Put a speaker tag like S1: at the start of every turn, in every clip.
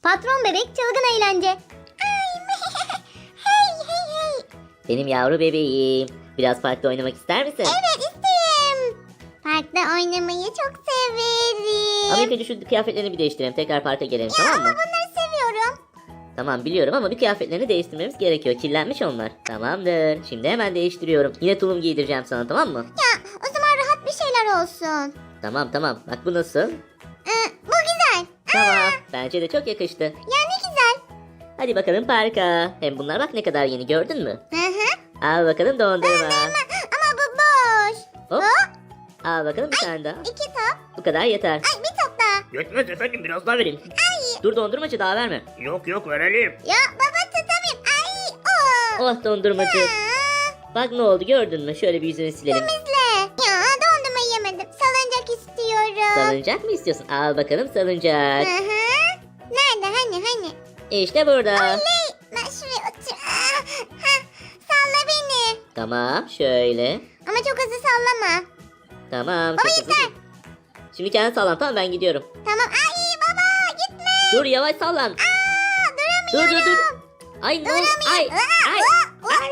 S1: Patron bebek çılgın eğlence. Hey hey hey.
S2: Benim yavru bebeğim. Biraz parkta oynamak ister misin?
S1: Evet isterim. Parkta oynamayı çok severim.
S2: Ama ilk önce şu kıyafetlerini bir değiştirelim. Tekrar parka gelelim,
S1: Ya
S2: tamam
S1: ama
S2: mı?
S1: bunları seviyorum.
S2: Tamam biliyorum ama bir kıyafetlerini değiştirmemiz gerekiyor. Kirlenmiş onlar. Tamamdır. Şimdi hemen değiştiriyorum. Yine tulum giydireceğim sana, tamam mı?
S1: Ya o zaman rahat bir şeyler olsun.
S2: Tamam. Bak bu nasıl?
S1: Bu güzel.
S2: Tamam. Bence de çok yakıştı.
S1: Ya ne güzel.
S2: Hadi bakalım parka. Hem bunlar bak ne kadar yeni, gördün mü?
S1: Hı hı.
S2: Al bakalım dondurma.
S1: Ama bu boş.
S2: Hop.
S1: Hop.
S2: Al bakalım bir tane daha.
S1: 2 top.
S2: Bu kadar yeter.
S1: Ay bir top daha.
S2: Yetmez efendim, biraz daha verin.
S1: Ay.
S2: Dur dondurmacı, daha verme. Yok verelim.
S1: Ya baba tutamayayım. Ay. Oh.
S2: Oh dondurmacı.
S1: Aa,
S2: Bak ne oldu, gördün mü? Şöyle bir yüzünü silelim.
S1: temizle. Ya dondurma yemedim. Salıncak istiyorum.
S2: Salıncak mı istiyorsun? Al bakalım salıncak.
S1: Hı hı. Nerede hani?
S2: İşte burada.
S1: Oley. Ben şuraya otur. Ha, salla beni.
S2: Tamam şöyle.
S1: Ama çok hızlı sallama.
S2: Tamam.
S1: Baba
S2: çok hızlı.
S1: yeter.
S2: Şimdi kendi sallan, tamam, ben gidiyorum.
S1: Tamam. Ay baba gitme.
S2: Dur yavaş sallan.
S1: Duramıyorum.
S2: Dur. Ay ne oldu? Ay. Ay.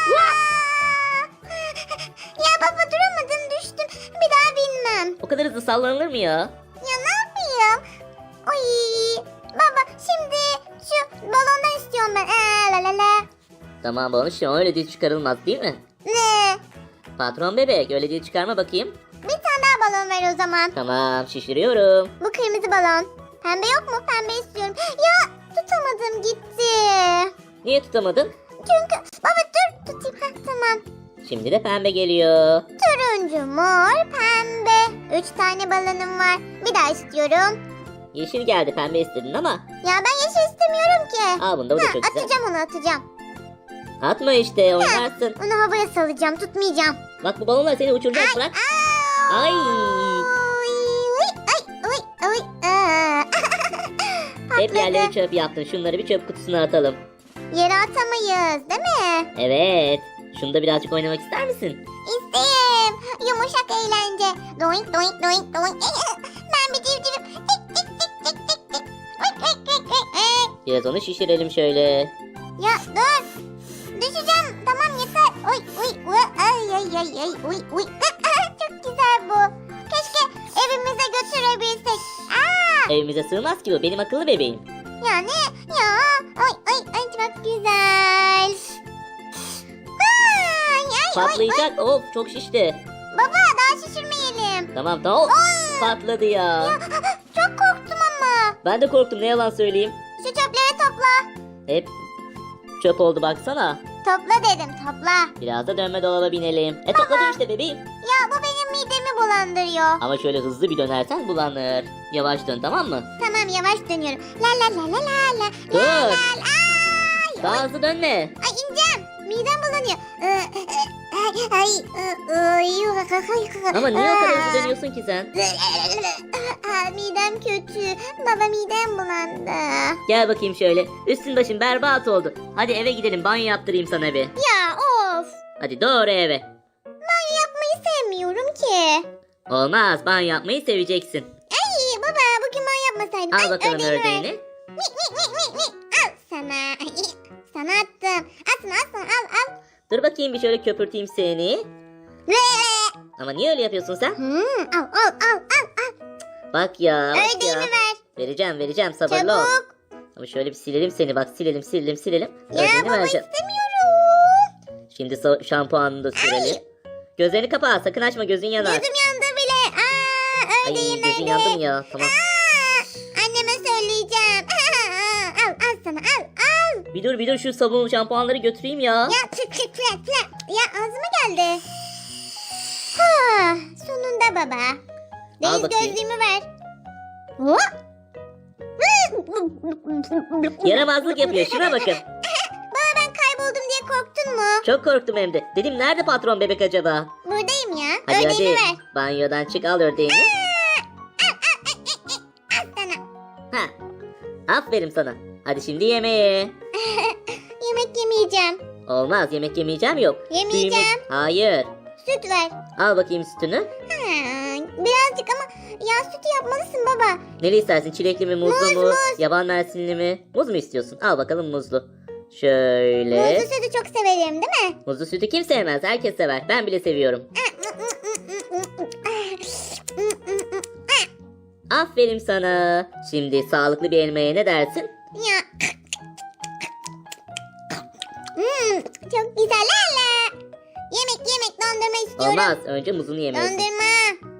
S1: Ya baba duramadım düştüm. Bir daha binmem.
S2: O kadar hızlı sallanılır mı ya?
S1: Ya ne yapayım? Oy. Baba şimdi şu balondan istiyorum ben. La la la.
S2: Tamam balon işte, öyle dil çıkarılmaz değil mi?
S1: Ne?
S2: Patron bebek, öyle dil çıkarma bakayım.
S1: Bir tane daha balon ver o zaman.
S2: Tamam şişiriyorum.
S1: Bu kırmızı balon. Pembe yok mu? Pembe istiyorum. Ya tutamadım gitti.
S2: Niye tutamadın?
S1: Çünkü baba dur tutayım. Tamam.
S2: Şimdi de pembe geliyor.
S1: Turuncu, mor, pembe. 3 tane balonum var. Bir daha istiyorum.
S2: Yeşil geldi, pembe istedin ama.
S1: Ya ben yeşil istemiyorum ki.
S2: Al bunu da, bu da çok güzel.
S1: Atacağım onu atacağım.
S2: Atma işte, oynarsın.
S1: Onu havaya salacağım tutmayacağım.
S2: Bak bu balonlar seni uçuracak, bırak. Ay.
S1: Ay.
S2: Hep
S1: Patladı.
S2: yerleri çöp yaptın. Şunları bir çöp kutusuna atalım.
S1: Yere atamayız değil mi?
S2: Evet. Şunda birazcık oynamak ister misin?
S1: İsteyim. Yumuşak eğlence. Doink doink doink doink. Ben bir civcivim. Tik tik tik tik tik tik. Oink, oink, oink, oink, oink.
S2: Biraz onu şişirelim şöyle.
S1: Ya dur. Düşeceğim. Tamam yeter. Oy oy. Ay ay ay ay. Oy oy. Çok güzel bu. Keşke evimize götürebilsek.
S2: Evimize sığmaz ki bu. Benim akıllı bebeğim.
S1: Ya ne? Ya. Oy oy oy çok güzel. Ay, ay, oy, oy.
S2: Patlayacak. Of çok şişti.
S1: Baba daha şişirmeyelim.
S2: Tamam. Of, patladı ya.
S1: Çok korktum ama.
S2: Ben de korktum, ne yalan söyleyeyim.
S1: Şu çöpleri topla.
S2: Hep çöp oldu baksana.
S1: Topla dedim topla.
S2: Biraz da dönme dolaba binelim. Topladım işte bebeğim.
S1: Ya bu benim midemi bulandırıyor.
S2: Ama şöyle hızlı bir dönersen bulanır. Yavaş dön, tamam mı?
S1: Tamam yavaş dönüyorum. La la la la la la.
S2: Dur.
S1: La, la, ay.
S2: Daha hızlı dönme.
S1: Ay ineceğim. Midem bulanıyor.
S2: Ama niye o kadar hızlı dönüyorsun ki sen?
S1: Midem kötü. Baba midem bulandı.
S2: Gel bakayım şöyle. Üstün başın berbat oldu. Hadi eve gidelim, banyo yaptırayım sana bir.
S1: Ya of.
S2: Hadi doğru eve.
S1: Banyo yapmayı sevmiyorum ki.
S2: Olmaz, banyo yapmayı seveceksin.
S1: Ay baba bugün banyo yapmasaydım.
S2: Al
S1: Ay,
S2: bakalım
S1: ördeğimi ver.
S2: ördeğini.
S1: Mik mik mik mik mik. Al sana. Sana attım. Al sana al.
S2: Dur bakayım bir şöyle köpürteyim seni. Ama niye öyle yapıyorsun sen?
S1: Al.
S2: Bak ya. Bak
S1: Ördeğimi
S2: ya.
S1: ver.
S2: Vereceğim, sabırlı ol.
S1: Çabuk.
S2: Ama şöyle bir silelim seni, bak silelim.
S1: Ya
S2: Ördeğini
S1: baba
S2: vereceğim.
S1: istemiyorum.
S2: Şimdi şampuanını da sürelim. Gözlerini kapa, sakın açma, gözün yanar.
S1: Gözüm yandı bile.
S2: Ay
S1: Ördeğim
S2: gözün
S1: nerede?
S2: yandı mı ya? Tamam.
S1: Anneme söyleyeceğim. Al sana al.
S2: Bir dur şu sabun şampuanları götüreyim ya.
S1: Ya tık flat. Ya ağzıma geldi. Sonunda baba. Deniz
S2: bakayım.
S1: gözlüğümü ver. Hop.
S2: Yaramazlık yapıyor, şuna bakın.
S1: Baba ben kayboldum diye korktun mu?
S2: Çok korktum hem de. Dedim nerede patron bebek acaba?
S1: Buradayım ya.
S2: Hadi
S1: Ördeğimi
S2: hadi.
S1: ver.
S2: Banyodan çık, al ördeğini.
S1: Al sana.
S2: Ha. Aferin sana. Hadi şimdi yemeğe.
S1: Yemek yemeyeceğim.
S2: Olmaz, yemek yemeyeceğim yok.
S1: Yemeyeceğim.
S2: Hayır.
S1: Süt ver.
S2: Al bakayım sütünü.
S1: Birazcık ama Ya sütü yapmalısın baba.
S2: Neli istersin? Çilekli mi, muzlu
S1: Muz,
S2: mu?
S1: muz.
S2: Yaban mersinli mi? Muz mu istiyorsun? Al bakalım muzlu. Şöyle.
S1: Muzlu sütü çok severim değil mi?
S2: Muzlu sütü kim sevmez? Herkes sever. Ben bile seviyorum. Aferin sana. Şimdi sağlıklı bir elmaya ne dersin?
S1: Ya. Çok güzel hala. Yemek dondurma istiyorum.
S2: Olmaz. Önce muzunu yemelisin.
S1: Dondurma.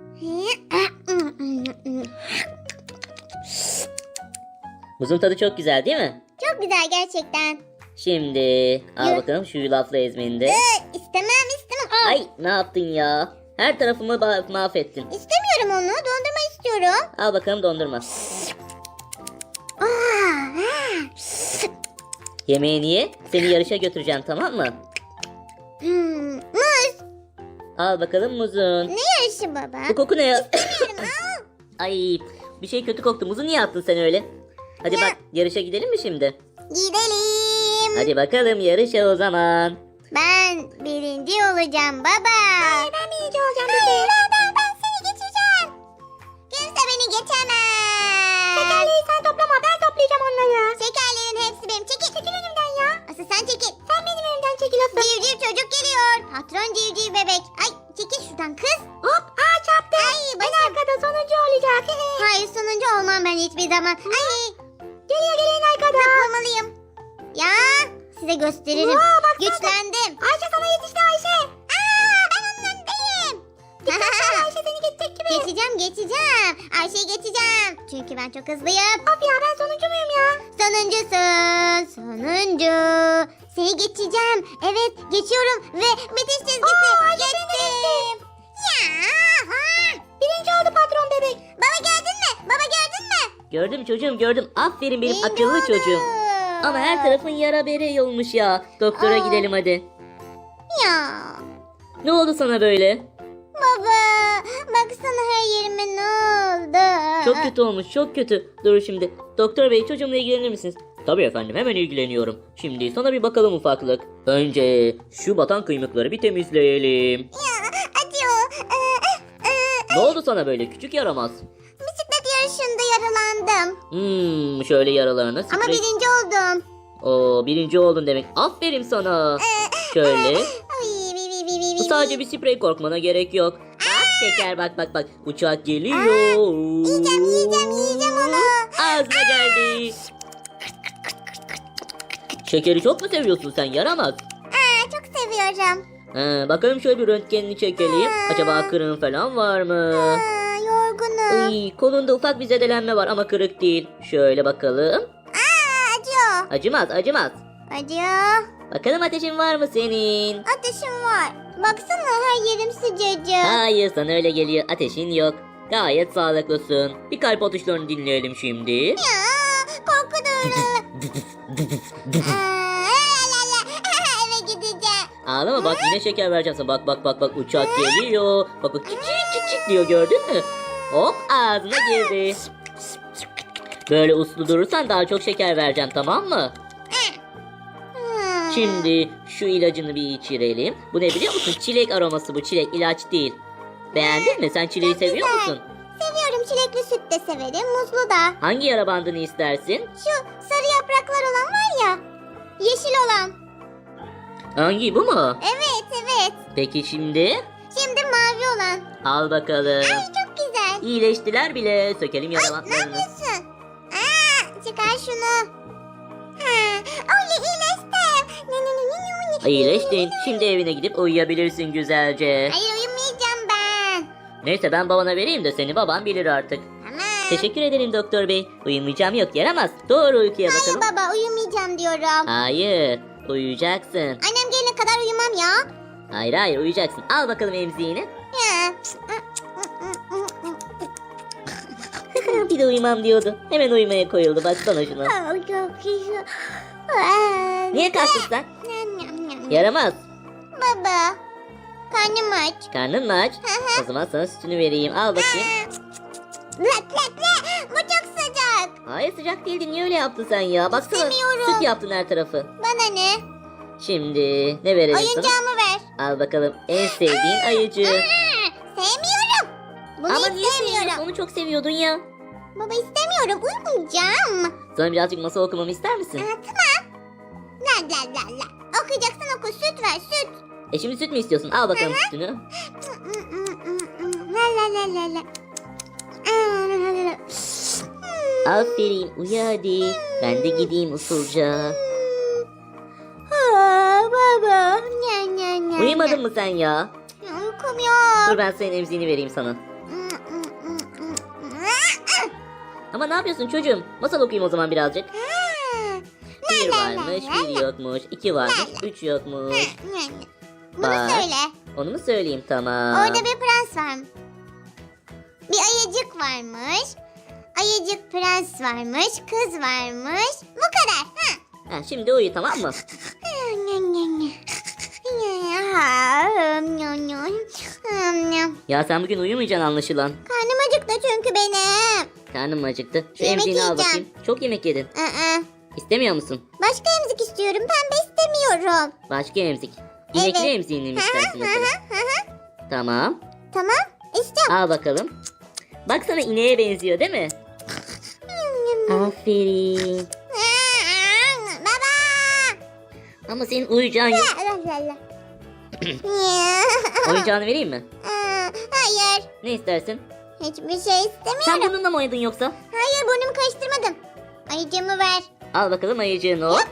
S2: Muzun tadı çok güzel değil mi?
S1: Çok güzel gerçekten.
S2: Şimdi al
S1: Yürü.
S2: bakalım şu yulaflı ezmeni de.
S1: İstemem. Al.
S2: Ay ne yaptın ya? Her tarafımı mahvettin.
S1: İstemiyorum onu. Dondurma istiyorum.
S2: Al bakalım dondurma. Yemeğini ye. Seni yarışa götüreceğim tamam mı?
S1: Muz.
S2: Al bakalım muzun.
S1: Ne yarışı baba?
S2: Bu koku ne ya?
S1: İstemiyorum. Al.
S2: Ay bir şey kötü koktu. Muzu niye attın sen öyle? Hadi
S1: Ya.
S2: bak yarışa gidelim mi şimdi?
S1: Gidelim.
S2: Hadi bakalım yarışa o zaman.
S1: Ben birinci olacağım baba. Hayır ben birinci olacağım. Hayır ben seni geçeceğim. Kimse beni geçemez. Şekerleri sen toplama ben toplayacağım onları. Şekerlerin hepsi benim. Çekil önümden ya. Asıl sen çekil. Sen benim önümden çekil asıl. Civciv çocuk geliyor. Patron civciv bebek. Ay çekil şuradan kız. Hop çarptım. Ay başım. En arkada sonuncu olacak. Hayır sonuncu olmam ben hiçbir zaman. Ay. Geliyor arkada. Zıplamalıyım. Ya size gösteririm. Güçlendim. Ayşe sana yetişti Ayşe. Ben onun önündeyim. Ayşe seni geçecek gibi. Geçeceğim. Ayşe'yi geçeceğim. Çünkü ben çok hızlıyım. Of ya ben sonuncu muyum ya? Sonuncu. Seni geçeceğim. Evet geçiyorum ve bitiş çizgisi. Geçtim. Ya. Birinci oldu patron bebek. Baba gördün mü?
S2: Gördüm çocuğum gördüm. Aferin benim
S1: Birinci
S2: akıllı
S1: oldu.
S2: çocuğum. Ama her tarafın yara bere olmuş ya. Doktora gidelim hadi.
S1: Ya.
S2: Ne oldu sana böyle?
S1: Baba baksana her yerime ne oldu?
S2: Çok kötü olmuş çok kötü. Dur şimdi. Doktor bey çocuğumla ilgilenir misiniz? Tabii efendim hemen ilgileniyorum. Şimdi sana bir bakalım ufaklık. Önce şu batan kıymıkları bir temizleyelim.
S1: Ya acıyor.
S2: Ne oldu sana böyle küçük yaramaz?
S1: Bisiklet yarışında yaralandım.
S2: Şöyle yaralarına
S1: Ama
S2: sprey.
S1: birinci oldum.
S2: Oo birinci oldun demek. Aferin sana. Şöyle.
S1: Ay,
S2: Bu sadece bir sprey korkmana gerek yok. Bak şeker bak. Uçak geliyor.
S1: Yiyeceğim onu.
S2: Ağzına geldi. Şekeri çok mu seviyorsun sen yaramaz?
S1: Çok seviyorum.
S2: Bakalım şöyle bir röntgenini çekelim. Acaba kırığın falan var mı?
S1: Yorgunum.
S2: Ay, kolunda ufak bir zedelenme var ama kırık değil. Şöyle bakalım.
S1: Acıyor.
S2: Acımaz.
S1: Acıyor.
S2: Bakalım ateşin var mı senin?
S1: Ateşim var. Baksana her yerim sıcacık.
S2: Hayır sana öyle geliyor. Ateşin yok. Gayet sağlıklısın. Bir kalp atışlarını dinleyelim şimdi.
S1: Ya korkuyorum. Eve gideceğim.
S2: Ağlama bak yine şeker vereceğim sana. Bak uçak geliyor. Bak çık diyor gördün mü? Hop ağzına girdi. Böyle uslu durursan daha çok şeker vereceğim tamam mı? Şimdi şu ilacını bir içirelim. Bu ne biliyor musun? Çilek aroması bu çilek ilaç değil. Beğendin mi? Sen çileği seviyor
S1: güzel.
S2: musun?
S1: Seviyorum çilekli süt de severim muzlu da.
S2: Hangi yara bandını istersin?
S1: Şu sarı yapraklar olan var ya. Yeşil olan.
S2: Hangi bu mu?
S1: Evet.
S2: Peki şimdi?
S1: Şimdi mavi olan.
S2: Al bakalım.
S1: Ay çok güzel.
S2: İyileştiler bile. Sökelim yara
S1: Ne
S2: bantlarını.
S1: yapıyorsun? Çıkar şunu. Oley iyileştim.
S2: İyileştin. Şimdi evine gidip uyuyabilirsin güzelce.
S1: Hayır uyumayacağım ben.
S2: Neyse ben babana vereyim de seni baban bilir artık.
S1: Tamam.
S2: Teşekkür ederim doktor bey. Uyumayacağım yok yaramaz. Doğru uykuya
S1: Hayır
S2: bakalım.
S1: baba uyumayacağım diyorum.
S2: Hayır. Uyuyacaksın.
S1: Annem gelene kadar uyumam ya.
S2: Hayır uyuyacaksın. Al bakalım emziğini.
S1: Ya.
S2: Bir de uyumam diyordu. Hemen uyumaya koyuldu. Baksana şuna.
S1: Çok iyi.
S2: Niye kalktın sen? Yaramaz.
S1: Baba. Karnım aç.
S2: Karnın mı aç? O zaman sana sütünü vereyim. Al bakayım.
S1: Bu çok sıcak.
S2: Hayır sıcak değildi. Niye öyle yaptın sen ya? Baksana
S1: İstemiyorum.
S2: süt yaptın her tarafı.
S1: Bana ne?
S2: Şimdi ne verelim sana?
S1: Oyuncağımı ver.
S2: Al bakalım en sevdiğin ayıcı.
S1: Sevmiyorum. Bunu
S2: Ama niye
S1: istemiyorum.
S2: seviyorsun? Onu çok seviyordun ya.
S1: Baba istemiyorum. Uyumayacağım.
S2: Sana birazcık masal okumamı ister misin?
S1: Tamam. La la la la. Okuyacaksan oku. Süt ver süt.
S2: Şimdi süt mü istiyorsun? Al bakalım sütünü.
S1: La la la la la.
S2: Aferin uyu hadi. Ben de gideyim usulca.
S1: Baba. Nya nya nya.
S2: Uyumadın mı sen ya?
S1: Uykum yok.
S2: Dur ben senin emziğini vereyim sana. Ama ne yapıyorsun çocuğum? Masal okuyayım o zaman birazcık. Bir varmış, bir yokmuş, iki varmış, üç yokmuş.
S1: Bunu
S2: Bak.
S1: söyle.
S2: Onu mu söyleyeyim? Tamam.
S1: Orada bir prens var. Bir ayıcık varmış. Ayıcık prens varmış. Kız varmış. Bu kadar. Ha.
S2: Şimdi uyu tamam mı? Ya sen bugün uyumayacaksın anlaşılan.
S1: Karnım acıktı çünkü benim.
S2: Karnım mı acıktı? Şu
S1: Yemek
S2: emziğini al
S1: yiyeceğim.
S2: bakayım. Çok yemek yedin. İstemiyor musun?
S1: Başka emzik istiyorum. Pembe istemiyorum.
S2: Başka emzik. İnekli
S1: Evet.
S2: emziğini mi istersin mesela? Tamam.
S1: Tamam. İstiyorum.
S2: Al bakalım. Bak sana ineğe benziyor değil mi? Aferin.
S1: Baba.
S2: Ama senin uyuyacağın yok. Oyuncağını vereyim mi?
S1: Hayır.
S2: Ne istersin?
S1: Hiçbir şey
S2: Sen
S1: istemiyorum.
S2: bununla mı oynadın yoksa?
S1: Hayır, burnumu karıştırmadım. Ayıcığımı ver.
S2: Al bakalım ayıcığını o.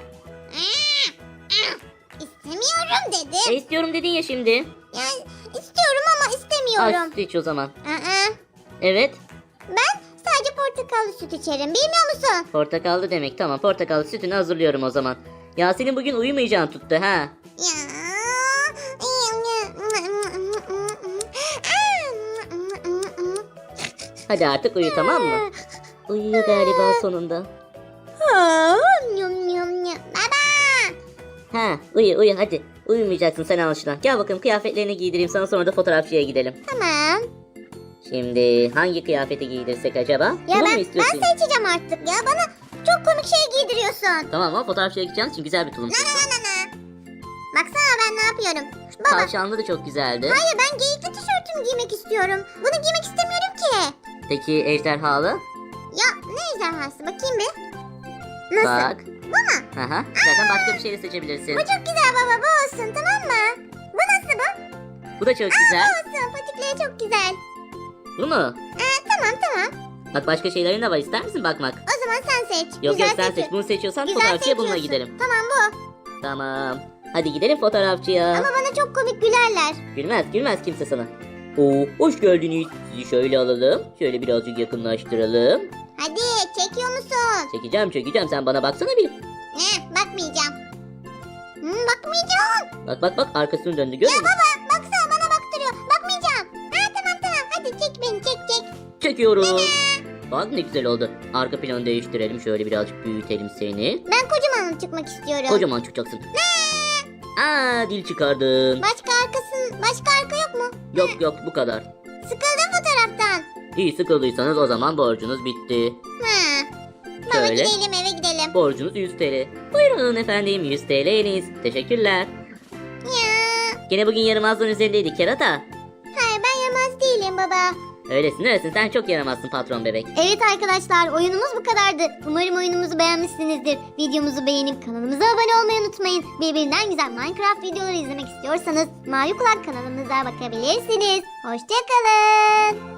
S1: İstemiyorum dedim.
S2: İstiyorum dedin ya şimdi.
S1: Yani istiyorum ama
S2: Al
S1: istemiyorum.
S2: süt iç o zaman.
S1: Aa,
S2: Evet.
S1: ben sadece portakallı süt içerim. Bilmiyor musun?
S2: Portakallı demek. Tamam portakallı sütünü hazırlıyorum o zaman. Ya senin bugün uyumayacağın tuttu ha.
S1: Ya.
S2: Hadi artık uyu tamam mı? Uyuyor galiba sonunda.
S1: Baba.
S2: Ha uyu hadi. Uyumayacaksın sen anlaşılan. Gel bakalım kıyafetlerini giydireyim sana sonra da fotoğrafçıya gidelim.
S1: Tamam.
S2: Şimdi hangi kıyafeti giydirsek acaba?
S1: Ya
S2: Bunu mu
S1: ben
S2: istiyorsun?
S1: seçeceğim artık ya. Bana çok komik şey giydiriyorsun.
S2: Tamam ama fotoğrafçıya gideceğiz için güzel bir tulum seç.
S1: Baksana ben ne yapıyorum. Baba.
S2: Tavşanlı da çok güzeldi.
S1: Hayır, ben geyikli tişörtümü giymek istiyorum. Bunu giymek istemiyorum ki.
S2: Peki ejderhalı?
S1: Ya ne ejderhası, bakayım bir. Nasıl?
S2: Bak.
S1: Bu mu?
S2: Aha. Zaten başka bir şey de seçebilirsin.
S1: Bu çok güzel baba, bu olsun, tamam mı? Bu nasıl bu?
S2: Bu da çok güzel.
S1: Olsun, patikleri çok güzel.
S2: Bu mu?
S1: Tamam.
S2: Bak başka şeylerin de var. İster misin bakmak?
S1: O zaman sen seç.
S2: Yok
S1: Güzel
S2: sen
S1: seçiyor.
S2: seç. Bunu seçiyorsan
S1: Güzel
S2: fotoğrafçıya bununla
S1: seçiyorsun.
S2: gidelim.
S1: Tamam bu.
S2: Tamam. Hadi gidelim fotoğrafçıya.
S1: Ama bana çok komik gülerler.
S2: Gülmez kimse sana. Oo, hoş geldiniz. Sizi şöyle alalım. Şöyle birazcık yakınlaştıralım.
S1: Hadi, çekiyor musun?
S2: Çekeceğim. Sen bana baksana bir.
S1: Bakmayacağım. Bakmayacağım.
S2: Bak arkasını döndü görüyor musun?
S1: Baba, baksana bana baktırıyor. Bakmayacağım. Tamam. Hadi çek beni, çek.
S2: Çekiyorum. Bak ne güzel oldu. Arka planı değiştirelim. Şöyle birazcık büyütelim seni.
S1: Ben kocaman çıkmak istiyorum.
S2: Kocaman çıkacaksın. Aa dil çıkardın.
S1: Başka arka yok mu?
S2: Yok bu kadar.
S1: Sıkıldım fotoğraftan.
S2: İyi sıkıldıysanız o zaman borcunuz bitti.
S1: Baba
S2: Şöyle.
S1: gidelim, eve gidelim.
S2: Borcunuz 100 TL. Buyurun efendim 100 TL'niz. Teşekkürler.
S1: Ya.
S2: Gene bugün yaramazlığın üzerindeydik kerata.
S1: Hayır, ben yaramaz değilim baba.
S2: Öylesin sen çok yaramazsın patron bebek.
S1: Evet arkadaşlar, oyunumuz bu kadardı. Umarım oyunumuzu beğenmişsinizdir. Videomuzu beğenip kanalımıza abone olmayı unutmayın. Birbirinden güzel Minecraft videoları izlemek istiyorsanız Mavi Kulak kanalımıza bakabilirsiniz. Hoşçakalın.